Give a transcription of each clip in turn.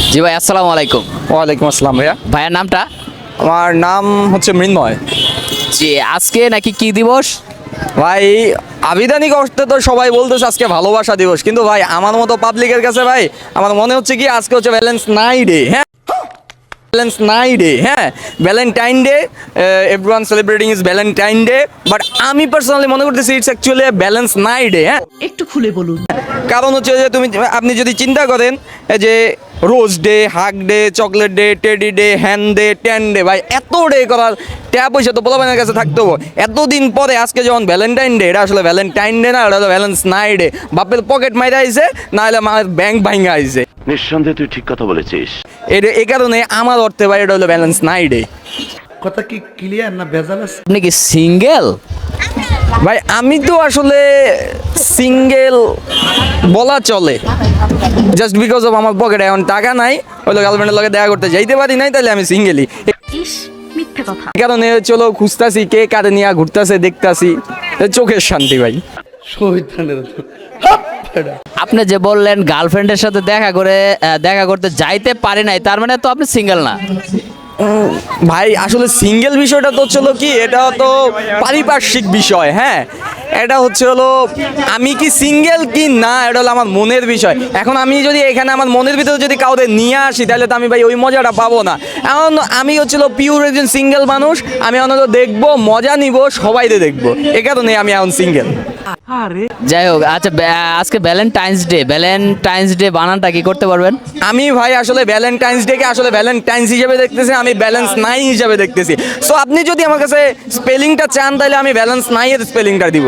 জি ভাই, আসসালামু আলাইকুম। ওয়ালাইকুম আসসালাম ভাইয়া। ভাইয়ের নামটা? আমার নাম হচ্ছে মৃন্ময়। জি, আজকে নাকি কি দিবস? ভাই আবিধানিক অর্থে তো সবাই বলতেছে আজকে ভালোবাসা দিবস, কিন্তু ভাই আমার মতো পাবলিকের কাছে ভাই আমার মনে হচ্ছে কি আজকে হচ্ছে ব্যালেন্স নাই ডে। হ্যাঁ, ব্যালেন্স নাই ডে। হ্যাঁ, valentine day, everyone celebrating is valentine day, but আমি পার্সোনালি মনে করতেছি ইটস অ্যাকচুয়ালি ব্যালেন্স নাই ডে। হ্যাঁ, একটু খুলে বলুন। কারণ হচ্ছে যে আপনি যদি চিন্তা করেন যে rose day, hug day, chocolate day, teddy day, হ্যান ডে, টেন ডে, ভাই এত ডে করার ট্যাপ পয়সা তো পোলাপানের কাছে থাকতে হবে। এতদিন পরে আজকে যখন ভ্যালেন্টাইন ডে, এটা আসলে ভ্যালেন্টাইন ডে না, এটা হলো ব্যালেন্স নাই ডে। বাপের পকেট মাইরা আইছে, না হলে আমার ব্যাংক ভাঙা আইছে। নিঃসন্দেহে তুই ঠিক কথা বলেছিস। এই কারণে আমার অর্থে ভাই এটা হলো ব্যালেন্স নাই ডে। কথা কি ক্লিয়ার না ভেজাল আছে? আপনি কি সিঙ্গেল? ভাই আমি তো আসলে সিঙ্গেল বলা চলে, জাস্ট বিকজ অফ আমার পকেটে এখন টাকা নাই, হলো গার্লফ্রেন্ডের লগে দেখা করতে যাইতে পারি নাই, তাহলে আমি সিঙ্গেলই। ইস, মিথ্যে কথা। কারণে চলো খুঁজতাছি কে কারে নিয়ে ঘুরতাছে, দেখতাছি, চোখের শান্তি ভাই। আপনি যে বললেন গার্লফ্রেন্ডের সাথে দেখা করতে যাইতে পারে নাই, তার মানে তো আপনি সিঙ্গেল না? ভাই আসলে সিঙ্গেল বিষয়টা তো চলো কি, এটা তো পারিপার্শ্বিক বিষয়। হ্যাঁ, এটা হচ্ছে হলো আমি কি সিঙ্গেল কি না, এটা হলো আমার মনের বিষয়। এখন আমি যদি এখানে আমার মনের ভিতরে যদি কাউকে নিয়ে আসি, তাহলে তো আমি ভাই ওই মজাটা পাবো না। এখন আমি হচ্ছিল পিওর একজন সিঙ্গেল মানুষ, আমি অন্তত দেখবো, মজা নিব, সবাইকে দেখবো, এ কারণে আমি এখন সিঙ্গেল। যাই হোক, আচ্ছা আজকে ভ্যালেন্টাইন্স ডে বানানটা কি করতে পারবেন? আমি ভাই আসলে ভ্যালেন্টাইন্স ডেকে আসলে ভ্যালেন্টাইন্স হিসেবে দেখতেছি, আমি ব্যালেন্স নাই হিসেবে দেখতেছি। সো আপনি যদি আমার কাছে স্পেলিংটা চান, তাহলে আমি ব্যালেন্স নাই এর স্পেলিংটা দিব।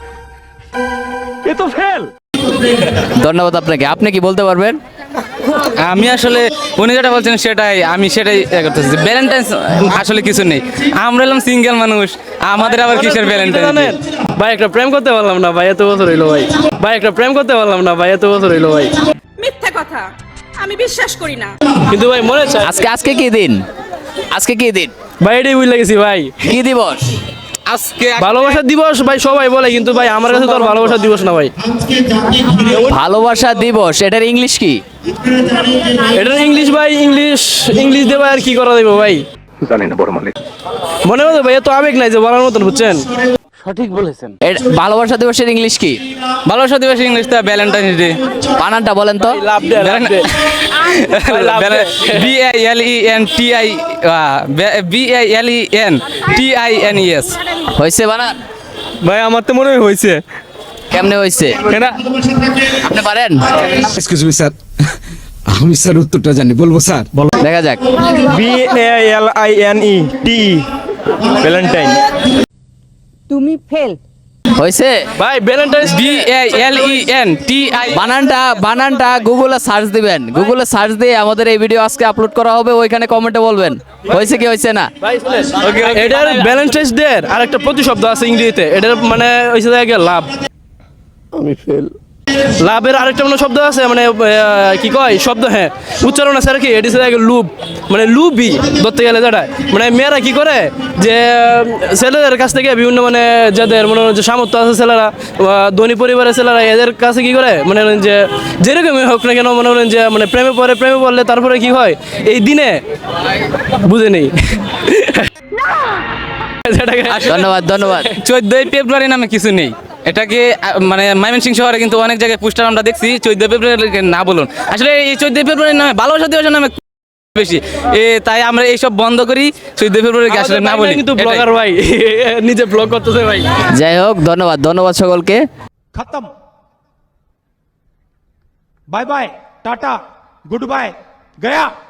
ধন্যবাদ আপনাকে। আপনি কি বলতে পারবেন? আমি আসলে উনি যেটা বলছেন আমি সেটাই করতেছি। ভ্যালেন্টাইন্স আসলে কিছু নেই, আমরা এলাম সিঙ্গেল মানুষ, আমাদের আবার কিসের ভ্যালেন্টাইন? ভাই একটা প্রেম করতে পারলাম না ভাই, এত বছর হইলো ভাই একটা প্রেম করতে পারলাম না ভাই, এত বছর হইলো ভাই। মিথ্যে কথা, আমি বিশ্বাস করি না। কিন্তু ভাই মনে চাই আজকে কি দিন? আজকে কি দিন? ভাই এটাই বুঝে গেছি ভাই, কি দিবস? আজকে ভালোবাসা দিবস ভাই সবাই বলে, কিন্তু ভাই আমার কাছে তো আর ভালোবাসা দিবস না ভাই। ভালোবাসা দিবস, এটার ইংলিশ কি? এটার ইংলিশ ভাই, ইংলিশ দিয়ে ভাই আর কি করা দেবো ভাই, জানি না বড় মালিক। মনে মতো ভাই এত আবেগ নাই যে বলার মতন, বুঝছেন? ভালোবাসা দিবসের ইংলিশ কি? ভালোবাসা দিবস ইংলিশটা ভ্যালেন্টাইন্স ডে। বানানটা বলেন তো। BALENTINES। হয়েছে বানান? ভাই আমার তো মনে হয়েছে। কেমনে হয়েছে? আপনি পারেন? এক্সকিউজ মি স্যার, আমি স্যার উত্তরটা জানি, বলবো স্যার? দেখা যাক। BALINET valentine. তুমি ফেল। হয়েছে ভাই ভ্যালেন্টাইন্স BALENTI। বানানটা গুগলে সার্চ দিবেন, গুগলে সার্চ দিয়ে আমাদের এই ভিডিও আজকে আপলোড করা হবে, ওইখানে কমেন্টে বলবেন হয়েছে কি হয়েছে না। এটার ভ্যালেন্টাইন্স ডে আর একটা প্রতিশব্দ আছে ইংরেজিতে, এটার মানে হইছে যে লাভ। আমি ফেল। লাভের আরেকটা মানে শব্দ আছে, মানে কি কয় শব্দ, হ্যাঁ উচ্চারণ আছে আর কি, এটি হচ্ছে লুব, মানে লুবি ধরতে গেলে যেটা মানে মেয়েরা কি করে যে ছেলেদের কাছ থেকে বিভিন্ন মানে যাদের মনে হয় যে সামর্থ্য আছে ছেলেরা, ধনী পরিবারের ছেলেরা, এদের কাছে কি করে মানে যে যেরকমই হোক না কেন, মনে করেন যে মানে প্রেমে পড়লে তারপরে কি হয় এই দিনে বুঝে নেই। ধন্যবাদ। 14ই ফেব্রুয়ারি নামে কিছু নেই, এটাকে মানে ময়মনসিংহ শহরে কিন্তু অনেক জায়গায় পোস্টার আমরা দেখছি 14 ফেব্রুয়ারি না বলুন, আসলে এই 14 ফেব্রুয়ারি নামে ভালোবাসা দিবসের নামে বেশি, তাই আমরা এইসব বন্ধ করি, 14 ফেব্রুয়ারিকে আসলে না বলি। কিন্তু ব্লগার ভাই নিজে ব্লগ করতেছে ভাই। যাই হোক, ধন্যবাদ সকলকে। खत्म। Bye bye, tata, good bye, गया।